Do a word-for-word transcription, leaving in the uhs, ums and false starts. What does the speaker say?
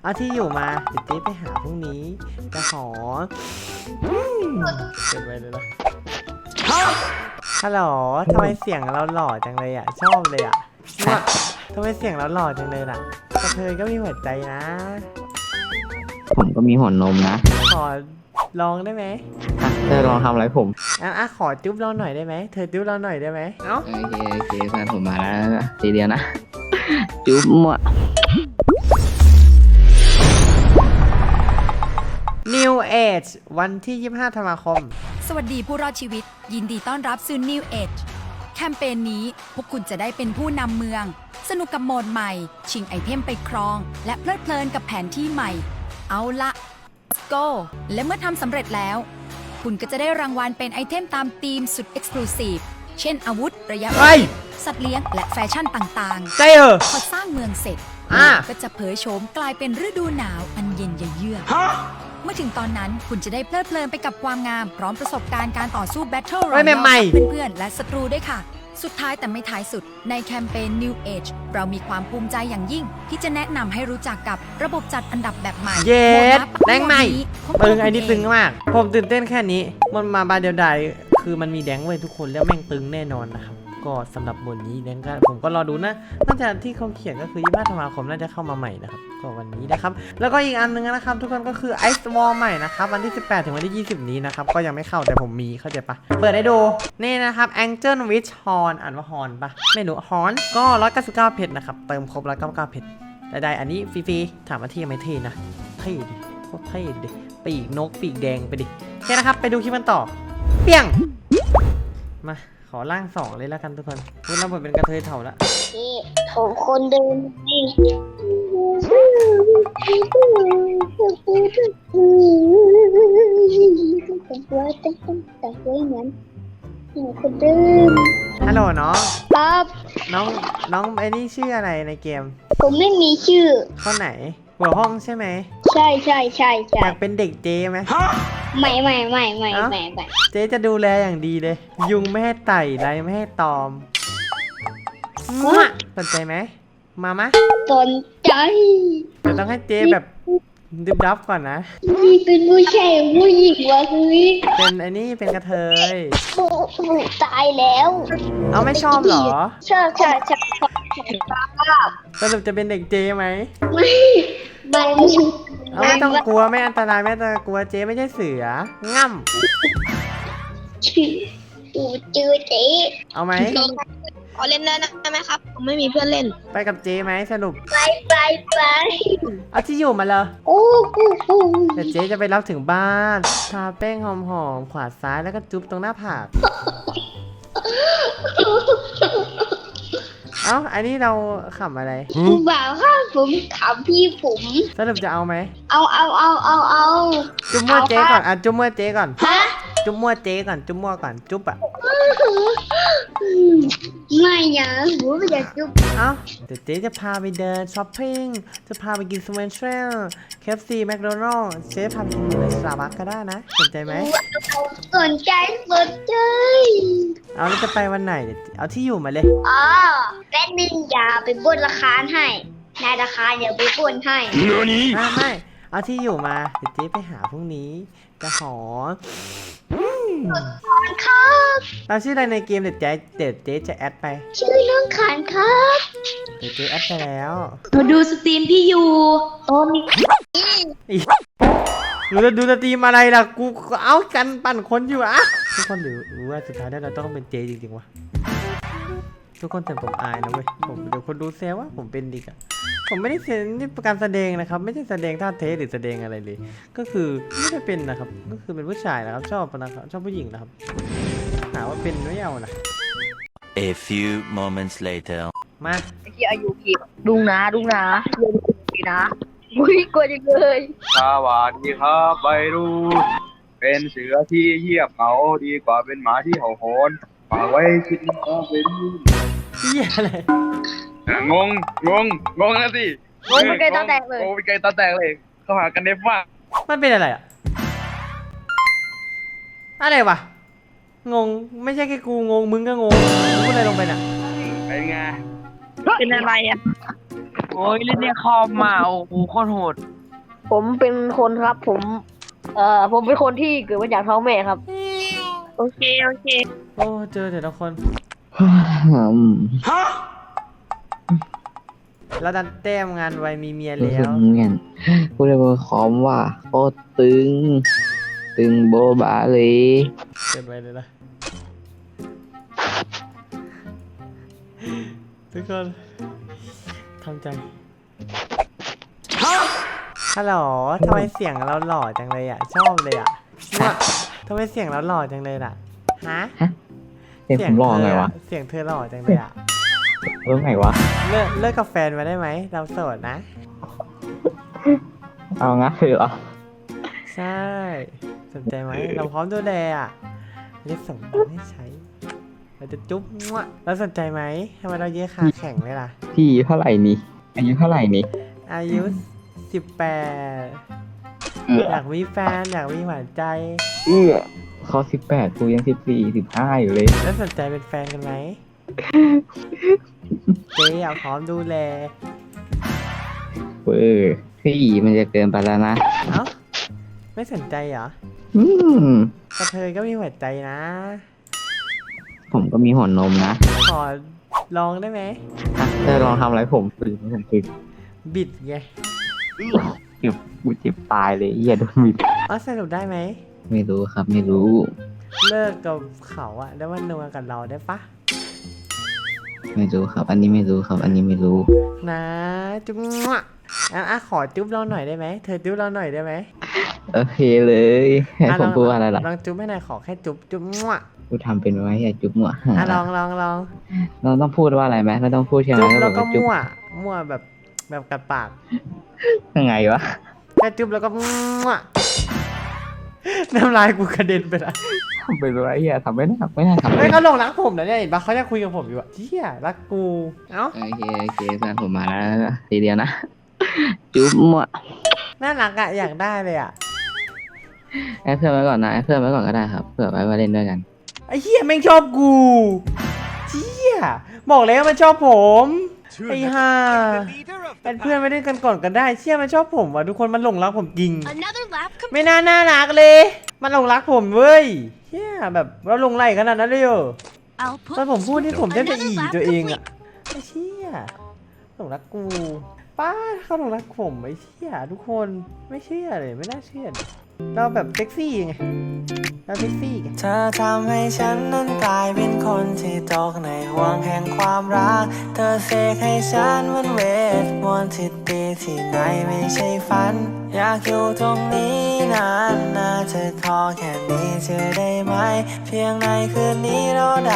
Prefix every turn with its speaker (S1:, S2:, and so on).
S1: เอาที่อยู่มาเดี๋ยวเจ๊ไปหาพรุ่งนี้จะขอเก็บไว้เลยนะฮัลโหลทำไมเสียงเราหล่อจังเลยอ่ะชอบเลยอ่ะทำไมเสียงเราหล่อจังเลยล่ะกระเทยก็มีหัวใจนะ
S2: ผมก็มีหัวนมนะ
S1: ขอลองได้ไหม
S2: เธอลองทำอะไรผม
S1: อ่ะอ่ะขอจุ๊บเราหน่อยได้ไหมเธอจุ๊บเราหน่อยได้ไหมเอ้า
S2: โอเคโอเคแฟนผมมาแล้วทีเดียวนะจุ๊บมั่ว
S1: New Age วันที่ยี่สิบห้าธันวาคม
S3: สวัสดีผู้รอดชีวิตยินดีต้อนรับสู่ New Age แคมเปญนี้พวกคุณจะได้เป็นผู้นำเมืองสนุกกับโหมดใหม่ชิงไอเทมไปครองและเพลิดเพลินกับแผนที่ใหม่เอาละ let's go และเมื่อทำสำเร็จแล้วคุณก็จะได้รางวัลเป็นไอเทมตามธีมสุด Exclusive เช่นอาวุธระยะประชิดสัตว์เลี้ยงและแฟชั่นต่างๆ
S1: ใจเออ
S3: พอสร้างเมืองเสร็จก็จะเผยโฉมกลายเป็นฤดูหนาวอันเย็นเยือกเมื่อถึงตอนนั้นคุณจะได้เพลิดเพลินไปกับความงามพร้อมประสบการณ์การต่อสู้ Battle Royale กับเพื่อนๆและศัตรูด้วยค่ะสุดท้ายแต่ไม่ท้ายสุดในแคมเปญ New Age เรามีความภูมิใจอย่างยิ่งที่จะแนะนำให้รู้จักกับระบบจัดอันดับแบบใหม่
S1: เย็ดแรงใหม่ตึงไอ้นี่ตึงมากผมตื่นเต้นแค่นี้มันมาบาเดียวดายคือมันมีแดงเว้ยทุกคนแล้วแม่งตึงแน่นอนนะครับก็สำหรับบทนี้แดงก็ผมก็รอดูนะน่าจะที่เขาเขียนก็คือยี่สิบห้าธันวาคมน่าจะเข้ามาใหม่นะครับก็วันนี้นะครับแล้วก็อีกอันนึงนะครับทุกคนก็คือ Ice Wall ใหม่นะครับวันที่สิบแปดถึงวันที่ยี่สิบนี้นะครับก็ยังไม่เข้าแต่ผมมีเข้าใจปะเปิดให้ดูนี่นะครับ Angel Witch Horn อ่านว่าฮอนปะไม่รู้ฮอนก็ร้อยเก้าสิบเก้าเพชรนะครับเติมครบร้อยเก้าสิบเก้าเพชรได้อันนี้ฟรีๆถามว่าเท่ไหมเท่นะเท่ดิโคตรเท่ดิปีกนกปีกแดงไปดิโอเคนะครับไปดูคลิปกันต่อเปี้ยงมาขอร่างสองเลยแล้วกันทุกคนพูดแล้วผมเป็นกระเทยเถ่าแล้ว
S4: นี่ผมคนเดิมนี่แต่ว่าแต่แต่ว่าอย่างนั้นคนเดิม
S1: ฮัลโหลน้อง
S4: ครับ
S1: น้องน้องไอ้นี่ชื่ออะไรในเกม
S4: ผมไม่มีชื่อ
S1: ข้อไหนหัวห้องใช่ไหม
S4: ใช่ใช่ใช่ใช่
S1: อยากเป็นเด็กเจไหม
S4: ไม่ไม่ไม่ไม่ไม่ไม่
S1: เจ๊จะดูแลอย่างดีเลยยุงไม่ให้ไต่ไรไม่ให้ตอมสนใจไหมมามะ
S4: สนใจ
S1: แต่ต้องให้เจ๊แบบดึบดับก่อนนะ
S4: นี่เป็นผู้ชายผู้หญิงวะคือ
S1: เป็นไอ้นี่เป็นกระเทย
S4: บูบูตายแล้ว
S1: เอาไม่ชอบเหรอ
S4: ชอบชอบชอบชอบ
S1: สรุปจะเป็นเด็กเจไหม
S4: ไม่ไม่
S1: เอาไม่ต้องกลัวไม่อันตรายไม่ต้องกลัวเจ๊ไม่ใช่เสือง่
S4: ำชื่ออูจือเจ๊
S1: เอาไหม
S4: ขอเล่นได้ไหมครับผมไม่มีเพื่อนเล่น
S1: ไปกับเจ๊ไหมสรุป
S4: ไปไปไป
S1: เอาที่อยู่มาเลย
S4: โอ้โห
S1: แต่เจ๊จะไปรับถึงบ้านทาแป้งหอมๆขวาซ้ายแล้วก็จุ๊บตรงหน้าผากเอ้าอันนี้เราขำอะไร
S4: ผู้บ่าวค่ะผมขำพี่ผม
S1: สรุปจะเอาไหม
S4: เอาเอาเอาเอาเอา
S1: จุ๊บมั่วเจ๊ก่อนอ่ะจุ๊บมั่วเจ๊ก่อนฮะจุ๊บมั่วเจ๊ก่อนจุ๊บมั่วก่อนจุ๊บอ่ะ
S4: ไม่นะผมไม่อยากจุ๊บ
S1: เอ้าเดี๋ยวเจ๊จะพาไปเดินช้อปปิ้งจะพาไปกินสเวนเทรล เค เอฟ ซี แมคโดนัลด์เจ๊พาไปกินในสตาร์บัคก็ได้นะสนใจไหม
S4: สนใจสนใจ
S1: เอาแล้วจะไปวันไหนเอาที่อยู่มาเลย
S4: อ๋อแป๊บนึงอย่าไปบ้วนราคาให้นายราคาเดี๋ยวไปบ้วนให้
S1: ไม่ไม่เอาที่อยู่มาเดี๋ยวเจ๊ไปหาพรุ่งนี้จะขอ
S4: ครับ
S1: เราชื่ออะไรในเกมเดี๋ยวเจ๊เดี๋ยวเจ๊จะแอดไป
S4: ชื่อน้องขานครับ
S1: เดี๋ยวเจ๊แอดไปแล้ว
S4: มาดูสตรีมพี่อยู่โอ้มี
S1: ดูจะดูสตรีมอะไรล่ะกูเอากันปั่นคนอยู่อะทุกคนหรือรู้ว่าสุดท้ายแล้วเราต้องเป็นเจจริงๆวะทุกคนแต่ผมอายนะเว้ยผมเดี๋ยวคนดูเซลว่าผมเป็นดิกอะผมไม่ได้เซนนี่การแสดงนะครับไม่ใช่แสดงท่าเทสหรือแสดงอะไรเลยก็คือไม่ได้เป็นนะครับก็คือเป็นผู้ชายนะครับชอบนะครับชอบผู้หญิงนะครับหาว่าเป็นไม่เอานะ
S5: A few moments later
S1: มา
S4: ไอ้ที่อายุกี่ดุงนะดุงนะเรียนดีนะอุ้ยกลัวจังเลย
S6: สวัสดีครับไปดูเป็นเสือที่เยียบเหงาดีกว่าเป็นหมาที่เห่าหอนฝากไว้คิดว่าเป็น
S1: เหี้ยอะไร
S6: งงงงงงนะสิ
S4: งงเป็นไก่ตาแตกเลย
S6: งงเป็นไก่ตาแตกเลยเขาหากันเนฟว่า
S1: มันเป็นอะไรอ่ะอะไรวะงงไม่ใช่แค่กูงงมึงก็งงมึงพูดอะไรลงไปน่ะ
S6: เป็นไง
S4: เป็นอะไรอ่ะ
S7: โอ้ยเล่นในคอมมาโอ้โหโคตรโหด
S8: ผมเป็นคนครับผม เอ่อผมเป็นคนที่เกิดมาจากท้องแม่ครับ
S7: โอเคโอเค
S1: โอ้เจอแต่ละคน
S2: อืม
S1: แล้วดันแต้มงานไวมีเมีย
S2: รู้
S1: แล้
S2: สึก
S1: ว
S2: เหมือนพูดเลยว่าคอมว่าโคตรตึง ตึงโบบาเลย
S1: เกินไปเลยนะทุกคนทำใจฮัลโหลทำไมเสียงเราหล่อจังเลยอ่ะ ชอบเลยอ่ะมั่วทำไมเสียงเราหล่อจังเลยล่ะฮะ
S2: เสียงผมหล่อไงวะ
S1: เสียงเธอหล่อจังเลยอ่ะ
S2: เรื่องไงวะ
S1: เลิกเลิกกับแฟนมาได้ไหมเราโสดนะ
S2: เอางั้นเลยเหรอ
S1: ใช่สนใจไหมเราพร้อมดูแลอ่ะเรียกส่งให้ใช้เราจะจุ๊บมั่วแล้วสนใจไหมทำไมเราเยอะขาแข็งเลยล่ะ
S2: พี่เท่าไหร่นี่อายุเท่าไหร่นี่
S1: อายุสิบแปด
S2: เอื้อ
S1: อยากมีแฟนอยากมีหวานใจ
S2: เอื้อเขาสิบแปดกูยังสิบสี่สิบห้าอยู่เลย
S1: แล้วสนใจเป็นแฟนกันไหม เจ๊อยากพร้อมดูแล
S2: เออพี่มันจะเกินไปแล้วนะ
S1: เอ้าไม่สนใจเหรอ
S2: อืม
S1: กระเทยก็มีหัวใจนะ
S2: ผมก็มีหัวนมนะ
S1: ขอลองได้ไหม
S2: ถ้าลองทำอะไรผมปืนผมปืน
S1: บิดไง
S2: เจ็บกูเจ็บตายเลยเหี้ยโดนมีด
S1: อ๋อสรุปได้ไหม
S2: ไม่รู้ครับไม่รู้
S1: เลิกกับเขาอะแล้วมันนัวกับเราได้ปะ
S2: ไม่รู้ครับ อันนี้ไม่รู้ครับ อันนี้ไม่รู้
S1: นะจุ๊บมั่วอ่ะอ่ะขอจุ๊บเราหน่อยได้ไหมเธอจุ๊บเราหน่อยได้ไหม
S2: โอเคเลยให้
S1: อ่ะ
S2: ผ
S1: ล
S2: ม
S1: อง
S2: พูดว่าอะไรล่ะ
S1: ลองจุ๊บให้หน่อยขอแค่จุ๊บจุ๊บมั่ว
S2: กูทำเป็นไว้อย่าจุ๊บมั่ว
S1: อ่ะลองลองลอง
S2: เราต้องพูดว่าอะไรไหมไม่ต้องพูดใช่ไหม
S1: จุ๊บ
S2: ก็
S1: แล้ว
S2: บ
S1: ก็
S2: อกว่าจุ๊บ
S1: มั่วมั่วแบบแบบกัดปาก
S2: ยังไงวะ
S1: แค่จุ๊บแล้วก็มั่วน้ำลายกูกระเด็นไปละ
S2: ทำเป็นไว้อย่าทำไม่ได้ไม่ได้ทำ
S1: เฮ้ยเขาหลงรักผมนะเนี่ยเห็นปะเขาจะคุยกับผมอยู่อะเชี่ยรักกูเอ้า
S2: โอเคโอเคแฟนผมมาแล้วทีเดียวนะ จุ๊บมั่ว
S1: น่ารักอะอยากได้เลยอะ
S2: แอดเพื่อนไว้ก่อนนะแอดเพื่อนไว้ก่อนก็ได้ครับเผื่อไว้มาเล่นด้วยกัน
S1: ไอ้เหี้ยแม่งชอบกูเชี่ยบอกแล้วมันชอบผม ไอ้ห่าเป็นเพื่อนไม่ได้กันก่อนกันได้เชี่ยมันชอบผมว่ะทุกคนมันหลงรักผมจริง
S3: Another lap
S1: ไม่น่าน่ารักเลย มันหลงรักผมเว้ยเชี่ยแบบเราหลงไหลขนาดนั้นเลยเหรอ
S3: I'll
S1: ตอน
S3: put
S1: ผมพูดที่ผมแทบจะ
S3: Another
S1: อี
S3: lap
S1: ตัวเองอะ
S3: complete
S1: ไอ้เชี่ยหลงรักกู ป้าเขาหลงรักผมไอ้เชี่ยทุกคนไม่เชื่อเลยไม่น่าเชื่อเลยเราแบบเซ็กซี่ไงเราเซ็กซี่ไงเธอทำให้ฉันนั้นกลายเป็นคนที่ตกในห่วงแห่งความรักเธอเสกให้ฉันเหมันเวทมนต์ที่ดีที่ไหนไม่ใช่ฝัน อยากอยู่ตรงนี้นานนะเธอขอแค่นี้เธอได้ไหม เพียงในคืนนี้เราได้